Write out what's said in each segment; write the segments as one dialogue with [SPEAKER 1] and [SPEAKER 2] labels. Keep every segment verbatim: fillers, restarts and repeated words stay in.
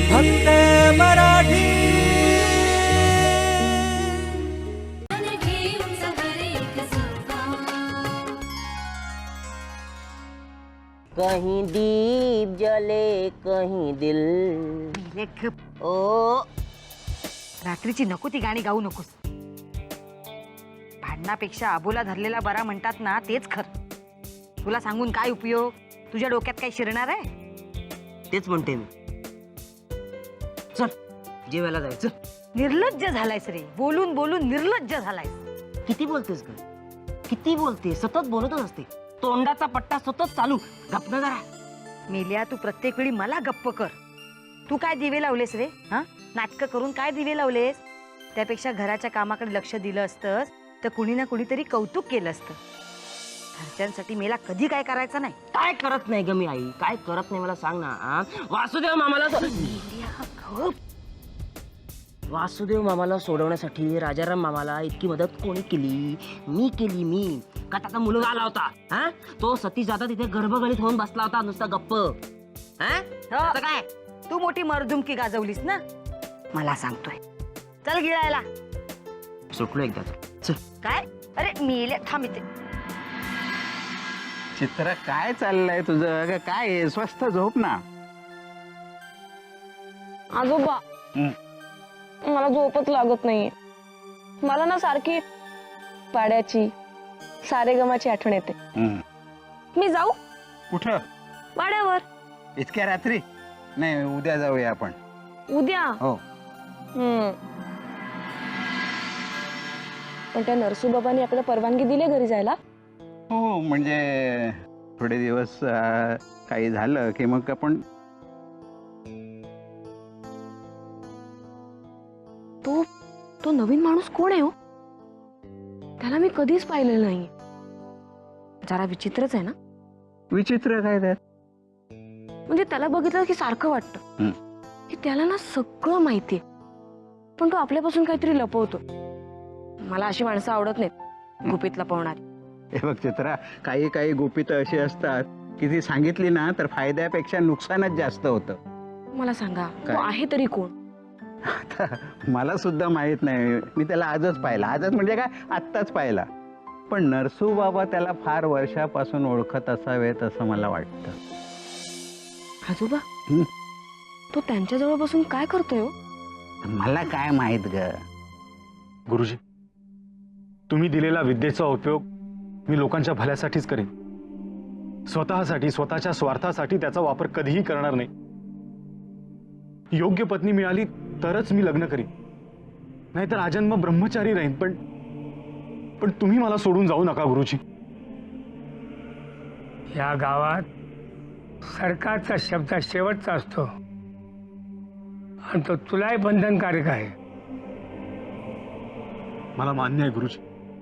[SPEAKER 1] फक्त मराठी।
[SPEAKER 2] कहीं दीप जले कहीं दिल। ओ
[SPEAKER 3] रात्रीची नको ती गाणी गाऊ नकोस। भांडणापेक्षा आबोला धरलेला बरा म्हणतात ना, तेच खरं। तुला सांगून काय उपयोग? तुझ्या डोक्यात काय शिरणार आहे?
[SPEAKER 2] तेच म्हणते मी। चल जेवायला जायचं।
[SPEAKER 3] निर्लज्ज झालायस रे, बोलून बोलून निर्लज्ज झालायस।
[SPEAKER 2] किती बोलतेस ग? किती बोलते? सतत बोलतच असते, तोंडाचा पट्टा सतत चालू। गप्प ना जरा।
[SPEAKER 3] मेल्या, तू प्रत्येक वेळी मला गप्प कर। तू काय दिवे लावलेस रे? हा, नाटकं करून काय दिवे लावलेस? त्यापेक्षा घराच्या कामाकडे लक्ष दिलं असतंस तर कुणी ना कुणीतरी कौतुक केलं असतं। घरच्यांसाठी मेला कधी काय करायचं नाही।
[SPEAKER 2] काय करत नाही ग मी आई? काय करत नाही मला सांग ना। आ? वासुदेव मामाला सो- वासुदेव मामाला सोडवण्यासाठी राजाराम मामाला इतकी मदत कोणी केली? मी केली मी। का त्याचा मुलगा आला होता, हा? तो सतीश दादा तिथे गर्भगणित होऊन बसला होता नुसता गप्प। हा? आता काय
[SPEAKER 3] तू मोठी मर्दुमकी गाजवलीस ना, मला सांगतोय। चल गिळायला।
[SPEAKER 2] सुटलो एकदाच। चल।
[SPEAKER 3] काय? अरे मेल्या, थांब इथे।
[SPEAKER 4] चित्र काय चाललंय तुझं? अगं काय आहे? स्वस्त झोप ना।
[SPEAKER 5] आजोबा, मला झोपच लागत नाहीये। मला ना सारखी पाड्याची सारेगमाची आठवण येते। मी जाऊ
[SPEAKER 4] कुठं?
[SPEAKER 5] वाड्यावर।
[SPEAKER 4] इतक्या रात्री? नाही, उद्या जाऊया आपण।
[SPEAKER 5] उद्या?
[SPEAKER 4] हो।
[SPEAKER 5] हम्म पण त्या नरसूबाबांनी आपल्याला परवानगी दिली घरी जायला?
[SPEAKER 4] हो, म्हणजे थोडे दिवस अं, काही झालं की मग आपण।
[SPEAKER 5] तो तो नवीन माणूस कोण आहे हो? त्याला मी कधीच पाहिलेलं नाही। जरा विचित्रच आहे ना?
[SPEAKER 4] विचित्र काय त्यात?
[SPEAKER 5] म्हणजे त्याला बघितलं की सारखं वाटतं की त्याला ना सगळं माहितीये, पण तो आपल्यापासून काहीतरी लपवतो। मला अशी माणसं आवडत नाहीत, गुपित लपवणारी।
[SPEAKER 4] हे बघ चित्रा, काही काही गुपित अशी असतात की ती सांगितली ना तर फायद्यापेक्षा नुकसानच जास्त होतं।
[SPEAKER 5] मला सांगा,
[SPEAKER 4] काय?
[SPEAKER 5] तो आहे तरी कोण?
[SPEAKER 4] आता मला सुद्धा माहित नाही, मी त्याला आजच पाहिला। आजच म्हणजे काय, आत्ताच पाहिला। पण नरसू बाबा त्याला फार वर्षापासून ओळखत असावेत असं मला वाटतं।
[SPEAKER 5] आजोबा,
[SPEAKER 4] हं?
[SPEAKER 5] तो त्यांच्या जवळ बसून काय करतोय हो?
[SPEAKER 4] मला काय माहित ग?
[SPEAKER 6] गुरुजी, तुम्ही दिलेला विद्येचा उपयोग मी लोकांच्या भल्यासाठीच करेन। स्वतःसाठी, स्वतःच्या स्वार्थासाठी त्याचा वापर कधीही करणार नाही। योग्य पत्नी मिळाली तरच मी लग्न करीन, नाहीतर आजन्म ब्रह्मचारी राहीन। पण पण तुम्ही मला सोडून जाऊ नका गुरुजी।
[SPEAKER 7] या गावात सरकारचा शब्द शेवटचा असतो आणि तो तुलाही बंधनकारक आहे।
[SPEAKER 6] मला मान्य आहे गुरुजी,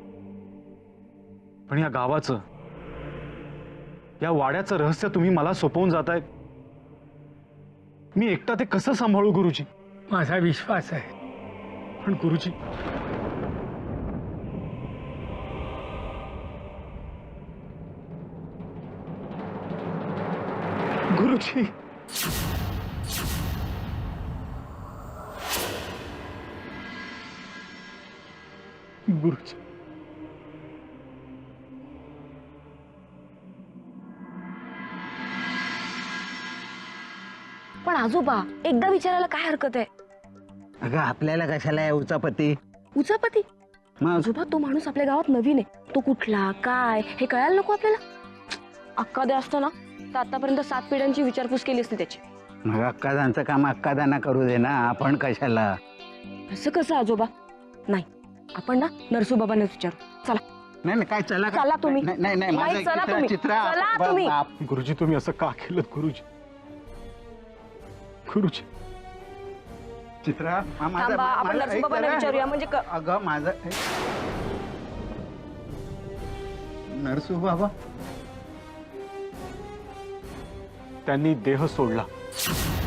[SPEAKER 6] पण या गावाचं, या वाड्याचं रहस्य तुम्ही मला सोपवून जाताय। मी एकटा ते कसं सांभाळू गुरुजी?
[SPEAKER 7] माझा विश्वास आहे।
[SPEAKER 6] पण गुरुजी, गुरुजी, गुरुजी,
[SPEAKER 5] पण आजोबा, एकदा विचारायला काय हरकत आहे?
[SPEAKER 4] अगं आपल्याला कशाला आहे उचापती?
[SPEAKER 5] उचापती?
[SPEAKER 4] मग
[SPEAKER 5] आजोबा, तो माणूस आपल्या गावात नवीन आहे। तो कुठला, काय हे कळायला नको आपल्याला? अक्का दे असतो ना तर आतापर्यंत सात पिढ्यांची विचारपूस केली असती त्याची।
[SPEAKER 4] मग अक्कादांचं काम अक्कादांना करू दे ना, आपण कशाला?
[SPEAKER 5] असं कसं आजोबा? नाही, आपण ना नरसूबाबांना विचारू। चला।
[SPEAKER 4] नाही नाही, काय चला का?
[SPEAKER 5] चला तुम्ही।
[SPEAKER 4] नाही नाही, नाही,
[SPEAKER 5] नाही,
[SPEAKER 4] माझं
[SPEAKER 5] चला
[SPEAKER 4] चित्रा-
[SPEAKER 5] तुम्ही.
[SPEAKER 4] चित्रा
[SPEAKER 5] चला
[SPEAKER 4] आप-
[SPEAKER 5] तुम्ही.
[SPEAKER 4] आप-
[SPEAKER 6] गुरुजी, तुम्ही असं का केलं गुरुजी? गुरुजी,
[SPEAKER 4] चित्रा मा- माझं-
[SPEAKER 5] थांबा,
[SPEAKER 4] मा-
[SPEAKER 5] आपण
[SPEAKER 4] माझं-
[SPEAKER 5] नरसूबाबांना
[SPEAKER 4] ऐक जरा.
[SPEAKER 5] विचारूया, म्हणजे क-
[SPEAKER 4] अगं माझं नरसू बाबा,
[SPEAKER 6] त्यांनी देह सोडला